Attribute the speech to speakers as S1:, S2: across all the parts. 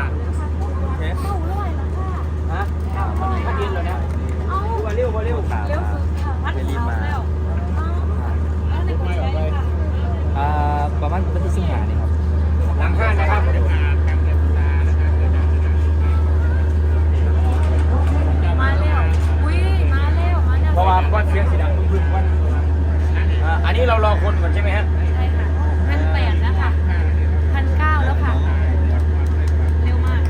S1: เท่าร้อยละค่ะ
S2: ฮะมันกินเหรอเนี่ย
S1: เอา
S2: เร็ว
S1: เร็วสุดค่ะพัดเขาแล้วแล้วในกรุงเทพค่ะ
S3: ประมาณวันที่15นี่ครับ
S2: หลังห้างนะครับ
S1: มาแล้วอุ้ยมาแล้ว
S2: เพราะว่าก้อนเสียงสีดำพึ่งวันอันนี้เรารอคนก่อนใช่ไหมฮะ
S1: ใช่ค่ะ1,800แล้วค่ะ1,900แล้วค่ะเร็วมาก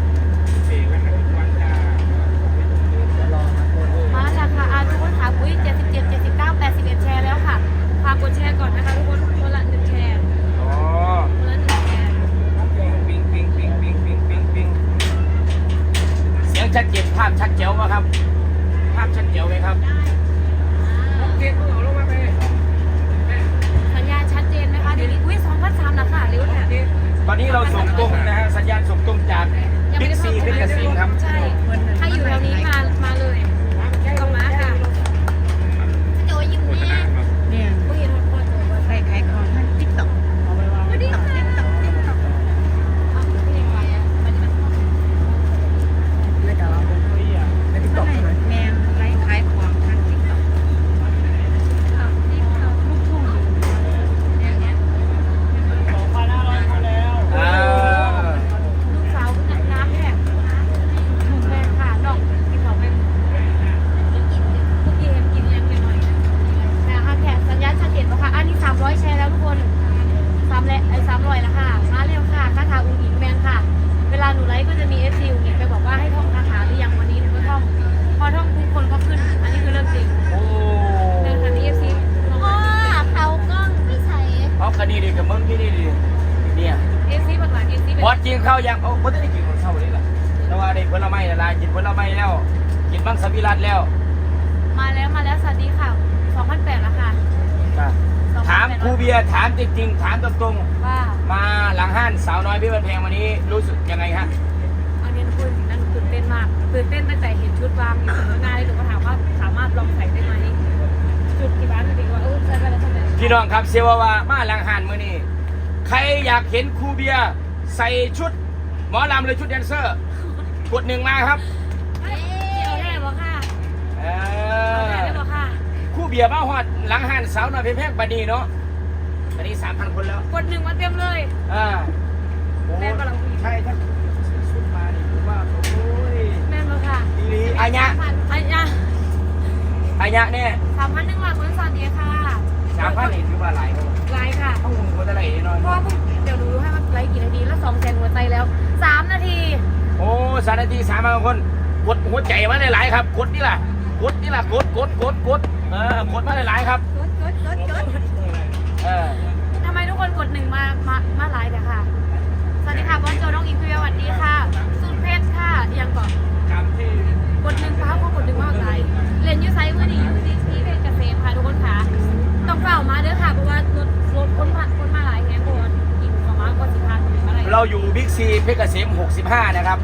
S1: มาแล้วค่ะทุกคนค่ะอุ้ย77 79 81แชร์แล้วค่ะฝากกดแชร์ก่อนนะคะทุกคนคนละ1แชร์คนละ1แชร์
S2: ปิงเสียงชัดเจนภาพชัดเจ๋วไหมครับภาพชัดเจ๋วไหมครับ
S1: สัญญาณชัดเจนไหมคะเดี๋ยวนี้อุ้ย2,300แล้วค่ะเร็วแถบ
S2: ตอนนี้เราส่งตรงนะฮะสัญญาณส่งตรงจากบิ๊กซีเพชรเกษมครับ
S1: ใช่ถ้าอยู่แถวนี้มาเลยก็มาค่ะโจยิ้มแน่
S4: เนี่ย
S1: ก็เห็นพ่อโจว่า
S4: ไปขายของทางติ๊กต็อกติ๊กต็อกติ๊กต็อกติ๊กต็อก
S1: เอาเพลงไว้อะมัน
S4: แล้วก็ในติ๊กต็อกแมนไลฟ์ขายของทางติ๊กต็อกลูกทุ่งอย่างเงี้ย
S1: ลูกสาวน้ำแหกหนุ่มแรงค่ะดอกที่เขาเป็นกินเมื่อกี้เห็นกินยังหน่อยนะคะแขกสัญญาณชัดเจนป่ะคะอันนี้300แชร์แล้วทุกคน300แล้วค่ะมาเร็วค่ะคาถาอุ้งอิงแมนค่ะเวลาหนูไลฟ์ก็จะมี FC อุ้งอิงไปบอกว่าให้ท่องคาถาหรือยังวันนี้หนูก็ท่องพอท่องทุกคนก็ขึ้นอันนี้คือเรื่องจริงเรื่องคันนี้ FC เขากล้องไม่ใช่
S2: เอาคดีดีกับมึงที่นี่ดีเนี่ย
S1: FC บักหลาน FC เป็น
S2: บอสกินข้าวยังไม่ได้กินข้าวเลยล่ะแต่ว่าได้ผลไม้ละลายกินผลไม้แล้วกินบังสวิรัตแล้ว
S1: มาแล้วสวัสดีค่ะ2,800แล้วค่ะ
S2: ถามครูเบียร์ถามจริงๆถามตรง
S1: ๆว่า
S2: มาหลังห้านสาวน้อยพี่บันแพงวันนี้รู้สึกยังไงฮะ
S1: อันนี้คุณนั่นตื่นเต้นมากตื่นเต้นตั้งแต่เห็นชุดวางอยู่ตรงหน้าเลยหนูก็ถามว่าสามารถลองใส่ได้ไหมจุดที่บ้านจริงว่าใส่ไปแล้วทำไม
S2: พี่น้องครับเซวามาหลังห้านมื้อนี้ใครอยากเห็นครูเบียร์ใส่ชุดหมอลำหรือชุดแดนเซอร์กด1มาครับ
S1: เอาแน่บอกค่ะบอกค่ะ
S2: ครูเบียร์มาฮอดหลังห้านสาวน้อยพี่แพงบัดนี้เนาะบัดนี้ 3,000 คนแล้ว
S1: กด1มาเต็มเลยแม่นบอก
S2: ใช่ถ้าชุดมานี่ผมว่าโอ้ย
S1: แม่นบอกค่ะ
S2: ดีอัญญะเนี่ย
S1: 3,100คนสวัสดีค่ะ
S2: 3,000นี่ถือว่าหลาย
S1: ไลค์ค่ะ
S2: ต้องหัวจะไหลแน่นอน
S1: เพราะเดี๋ยวดูให้ว่าไลค์กี่นาทีแล้ว200,000หัวใจแล้ว3นาที
S2: โอ้3 นาที3,000 คนกดหัวใจมาหลายๆครับกดนี่ล่ะกดมาหลายๆครับ
S1: ทำไมทุกคนกด1มาไลค์เนี่ยค่ะสวัสดีค่ะบอลโจน้องอิงพิวสวัสดีค่ะสุดเพชรค่ะยังก่อนกด1ฟ้าพอกด1มาไลค์เรียนยูไซเมื่อนี้อยู่ที่เพชรเกษมค่ะทุกคนค่ะต้องเฝ้ามาเด้อค่ะเพราะว่ารถคนมาหลายแห่งคนกินของมาก็10,000อะไร
S2: เราอยู่บิ๊กซีเพชรเกษม65นะครับ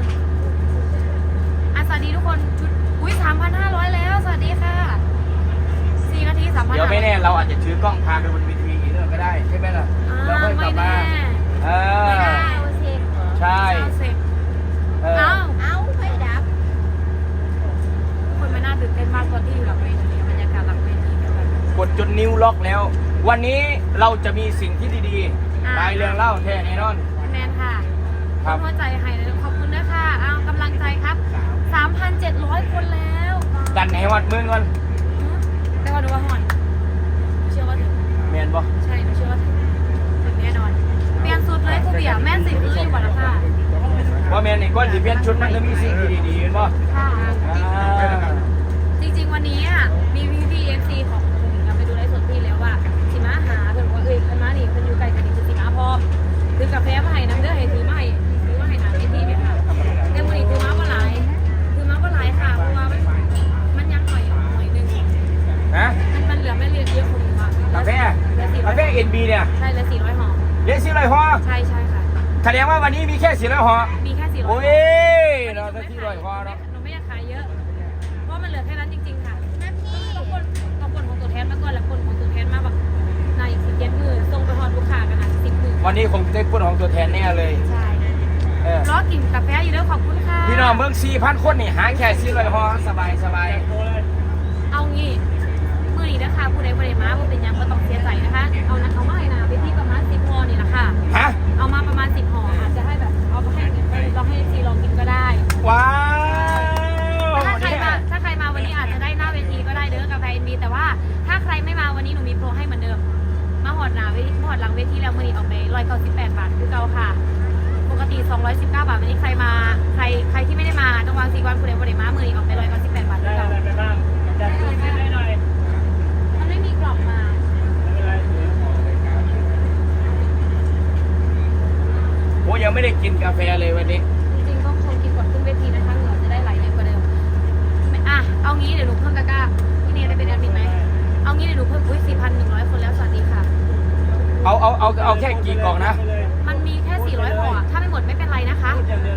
S1: สวัสดีทุกคนชุดอุ้ย3,500แล้วสวัสดีค่ะ4นาที3,500
S2: เดี๋ยวไม่แน่เราอาจจะถือกล้องพาไปบนเวทีอีกเรื่องก็ได้ใช่ไหมล่ะเราค่อยกลับมา
S1: ไม่ได้
S2: ใช่
S1: เอาไม่ดับคนไม่น่าตื่นเต้นมากตอนที่อยู่หลังเวทีบรรยากาศหลังเวที
S2: กดจนนิ้วล็อกแล้ววันนี้เราจะมีสิ่งที่ดีๆรายเรื่องเล่าแท้แน่นอน
S1: แมนค่ะหัวใจให้เลยขอบคุณด้วยค่ะเอากำลังใจครับ 3,700 คนแล้ว
S2: ดันให้วัดมือก่อน
S1: แต่ว่าดูว่าหอนเชื่อว่าถึง
S2: แมนบ่
S1: ใช่เชื่อว่าถึงแน่นอนเปลี่ยนสุดเลยคุณเบียร์แม่สิคืออยู่บ่ละค่ะ
S2: ว่าแมนนี่ก้อนสิเปลี่ยนชุดมันจะมีสิ่งดีๆเห็นบ่
S1: ค่ะจริงๆวันนี้มีพี่ๆ FC ของคุณไปดูไลฟ์สดพี่แล้วว่าสิมาหาเพิ่นบอกว่าคันมานี่เพิ่นอยู่ไกลกันนี่จะสิมาพร้อมถือกาแฟมาให้น้ำเด้อให้ถือมาให้หาไอ้ที่ไหมค่ะแต่วันนี้ถือมาบ่หลายค่ะเพราะว่ามันยังหน่อยนึง
S2: นะ
S1: มันเหลือไม่เยอะคนค่ะ
S2: กาแฟเอ็นบีเนี่ย
S1: ใช่เลย400ห่อ
S2: ใช่
S1: ค่ะ
S2: แสดงว่าวันนี้มีแค่400ห่อ
S1: มีแค่400
S2: โอ้ยเราจะ400ห่อเนาะ
S1: หนูไม่อยากขายเยอะเพราะมันเหลือแค่นั้นจริงๆค่ะต้องคนของตัวแทนมาก่อนแล้วคนของตัวแทนมาแบบใน17 มื้อส่งไปฮอดลูกค้ากันนะ10 มื้อ
S2: วันนี้คงได้พูดของตัวแทนแน่เลย
S1: ใช่ล้อกินกาแฟอยู่ด้วยขอบคุณค่ะ
S2: พี่น้องเมือง4,000 คนนี่หาแค่400ห่อสบายสบาย
S1: เอางี้มือนี้นะคะผู้ใดบริมาผู้เป็นยังก็ต้องเสียใจนะคะเอานะเอามาให้นะไปที่ประมาณ10ห่อนี่แหละค่ะ
S2: ฮะ
S1: เอามาประมาณ10ห่ออาจจะให้แบบเอาไปให้เราให้ซีลองกินก็ได้
S2: ว้าว
S1: ถ้าใครมาวันนี้อาจจะได้หน้าเวทีก็ได้เด้อกาแฟมีแต่ว่าถ้าใครไม่มาวันนี้หนูมีโปรให้เหมือนเดิมมาหอดหน้าเวทีหอดหลังเวทีแล้วมือนี้ออกไป198 บาทคือเก่าค่ะปกติ219 บาทวันนี้ใครมาใครที่ไม่ได้มาต้องวาง4 วันผู้ใดบริมามือนี้ออกไป198 บาทคือเก่ามันไม่มีกล่องมา
S2: โอ้ยังไม่ได้กินกาแฟเลยวันนี้
S1: จริงๆต้องคงกินก่อนขึ้นเวทีนะคะเหงื่อจะได้ไหลเยอะกว่าเดิมเอางี้เดี๋ยวหนูเพิ่มตะกร้าพี่เนยได้เป็นแอดมินไหมเอางี้เดี๋ยวหนูเพิ่ม4,100 คนแล้วสวัสดีค่ะ
S2: เอาแค่กี่กล่องนะ
S1: มันมีแค่400ห่อถ้าไม่หมดไม่เป็นไรนะคะ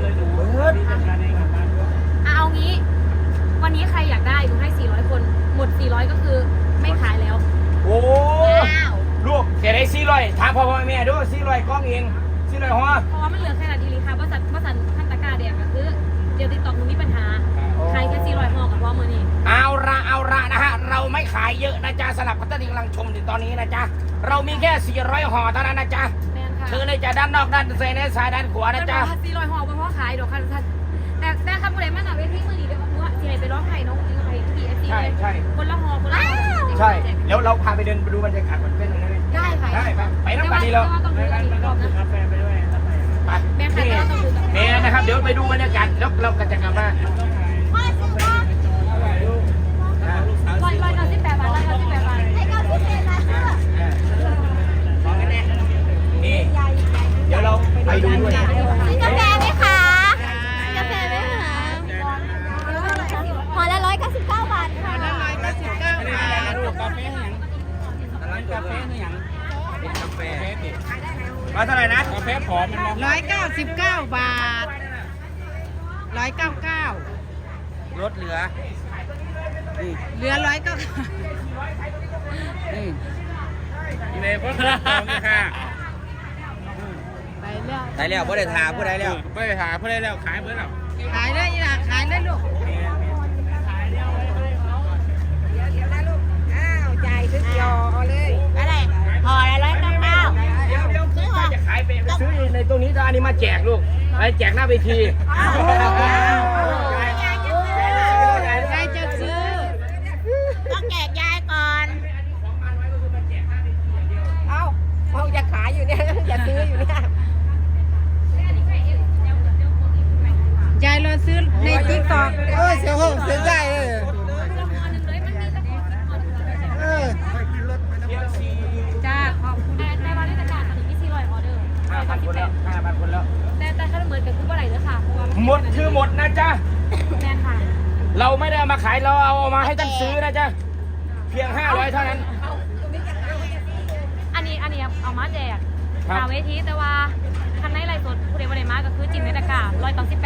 S1: เอางี้ วันนี้ใครอยากได้หนูให้400 คนหมด400ก็คือไม่ขายแล้ว
S2: โอ้ลูกเสียได้400ถามพ่อแม่ด้วย400กล่องเอง400ห่อ
S1: เพราะว่ามันเหลือแค่นาทีค่ะว่าสันขั้นตะกร้าแดงก็คือเดี๋ยวติดต่อหนูมีปัญหาใครแค่400ห่อกับพ่อมือนี่
S2: เอาละนะฮะเราไม่ขายเยอะนะจ๊ะสำหรับคนที่กำลังชมอยู่ตอนนี้นะจ๊ะเรามีแค่400ห่อเท่านั้นนะจ๊ะ
S1: แมนค่ะ
S2: เธอเลยจะด้านนอกด้านซ้ายด้านขวานะจ๊ะ
S1: 400ห่อเป็นเพราะขายดอกค่ะท่านแต่คำพูดไหนมันอะเวทีมือนี่เดี๋ยวว่าที่ไหนไปร้องไห้น้องไห้ที่PFC เลยคนละห่อคนละห่อ
S2: ใช่แล้วเราพาไปเดินไปดูบรรยากาศก่อนเป็นยังไง
S1: ได้ค่ะ
S2: ได้ไปน้ำกันดีเรา
S1: ต้องดูกันอีกรอบนะ
S2: ไป
S1: แม่ค่ะแต่เราต้องดูกัน
S2: เนี่ยนะครับเดี๋ยวไปดูบรรยากาศแล้วเราก็จะกลับมา
S1: 198 บาท198 บาทให้98 บาท
S2: นี่เดี๋ยวเราไปดูด้วย
S5: กาแฟไหมคะกาแฟไหมคะห่อละ199 บาทค่ะ
S2: มาเท่าไหร่นะ
S3: กาแฟผอมมันมอง
S4: 199 บาท 199
S3: ลดเหลือ
S4: เหลือ199
S3: นี่เลยพ่อของนี่ค่ะ
S4: ไปแล้ว
S3: ได้แล้วพ่ได้ทาพ่ได้แล้วพ่ได้ทาพ่ได้แล้วขายเมื่อแล้ว
S4: ขายได้อีหล่ะขายได้ลูกจ่ายซื้อยอเอาเลย
S5: อะไรห่อละ199
S2: เดี๋ยวจะขายไปซื้อในตรงนี้จะอันนี้มาแจกลูกไปแจกหน้าเวที
S4: ยายจะซื้อ
S5: ต้องแจกยายก่อน
S4: เขาจะขายอยู่เนี่ยจะซื้ออยู่เนี่ยยายรอซื้อในติ๊กต็อกเสียห้องเสียใจเลยจ้าขอบคุณ
S1: ในวันเทศกาลตอนนี้มี400ออเดอร์
S2: 5,000 คนแล้ว 5,000 คนแล้ว
S1: แต่ถ้าเหมือนกันคือเมื่อไหร่เด้อค่ะเพราะว่า
S2: หมดคือหมดนะจ๊ะ
S1: แมนค่ะ
S2: เราไม่ได้เอามาขายเราเอามาให้ท่านซื้อนะจ๊ะ เพียง500เท่านั้น
S1: อันนี้เอามาแจก
S2: ครับ
S1: หาเวทีแต่ว่าคันในไลฟ์สดผู้ใดบ่ได้มาก็คือจิ้มในตะกร้า198